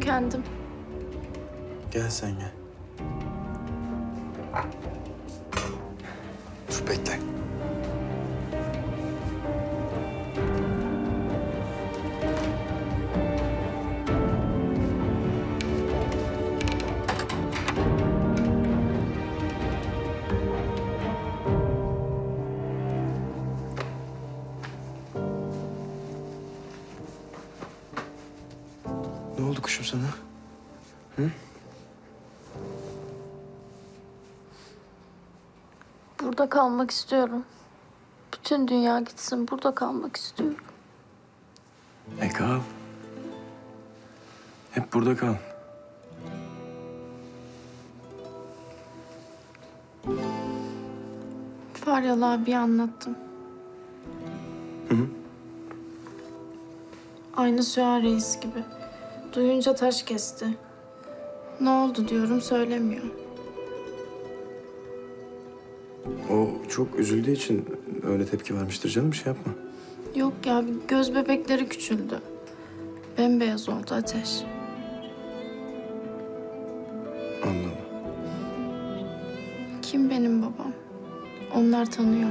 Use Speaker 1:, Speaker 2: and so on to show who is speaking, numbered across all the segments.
Speaker 1: tükendim.
Speaker 2: Gel sen gel. Dur bekle. Ne oldu kuşum sana? Hı?
Speaker 1: Burada kalmak istiyorum. Bütün dünya gitsin, burada kalmak istiyorum.
Speaker 2: Kal. Hep burada kal.
Speaker 1: Faryalı abiye anlattım.
Speaker 2: Hı hı.
Speaker 1: Aynı Süha Reis gibi. Duyunca taş kesti. Ne oldu diyorum, söylemiyor.
Speaker 2: O çok üzüldüğü için öyle tepki vermiştir canım. Bir şey yapma.
Speaker 1: Yok ya, göz bebekleri küçüldü. Bembeyaz oldu Ateş.
Speaker 2: Anladım.
Speaker 1: Kim benim babam? Onlar tanıyor.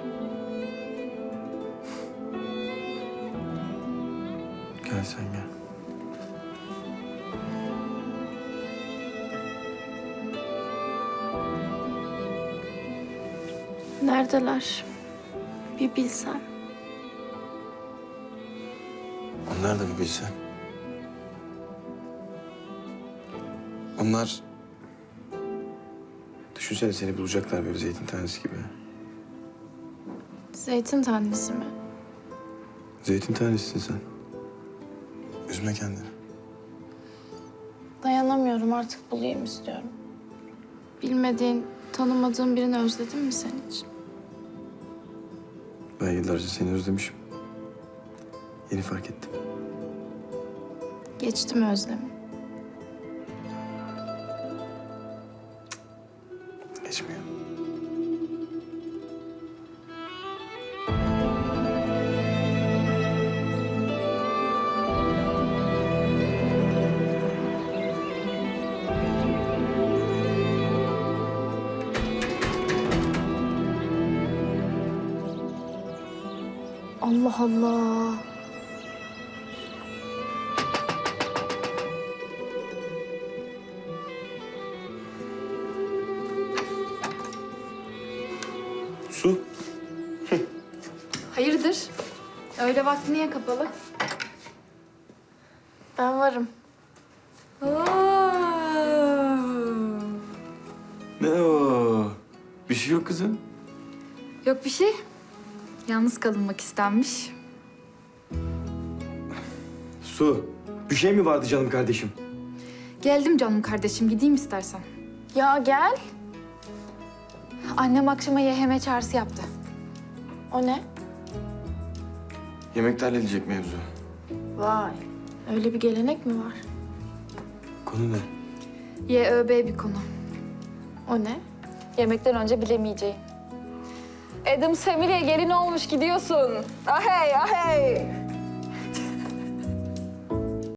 Speaker 2: Gel sen gel.
Speaker 1: Neredeler? Bir bilsen.
Speaker 2: Onlar da bir bilse. Onlar... Düşünsene seni bulacaklar böyle zeytin tanesi gibi.
Speaker 1: Zeytin tanesi mi?
Speaker 2: Zeytin tanesisin sen. Üzme kendini.
Speaker 1: Dayanamıyorum, artık bulayım istiyorum. Bilmediğin, tanımadığın birini özledin mi sen hiç?
Speaker 2: Ben yıllarca seni özlemişim. Yeni fark ettim.
Speaker 1: Geçti mi özlemi?
Speaker 2: Geçmiyor.
Speaker 1: Allah Allah.
Speaker 2: Su.
Speaker 3: Hayırdır? Öyle vakti niye kapalı?
Speaker 1: Ben varım.
Speaker 2: Ne o? Bir şey yok kızım.
Speaker 3: Yok bir şey. Yalnız kalınmak istenmiş.
Speaker 2: Su. Bir şey mi vardı canım kardeşim?
Speaker 3: Geldim canım kardeşim, gideyim istersen.
Speaker 1: Ya gel.
Speaker 3: Annem akşama YHM çağrısı yaptı.
Speaker 1: O ne?
Speaker 2: Yemekte halledecek mevzu.
Speaker 1: Vay. Öyle bir gelenek mi var?
Speaker 2: Konu ne?
Speaker 3: YÖB bir konu.
Speaker 1: O ne?
Speaker 3: Yemekten önce bilemeyeceğim. Adam Semire'ye gelin olmuş gidiyorsun. Ahey ahey.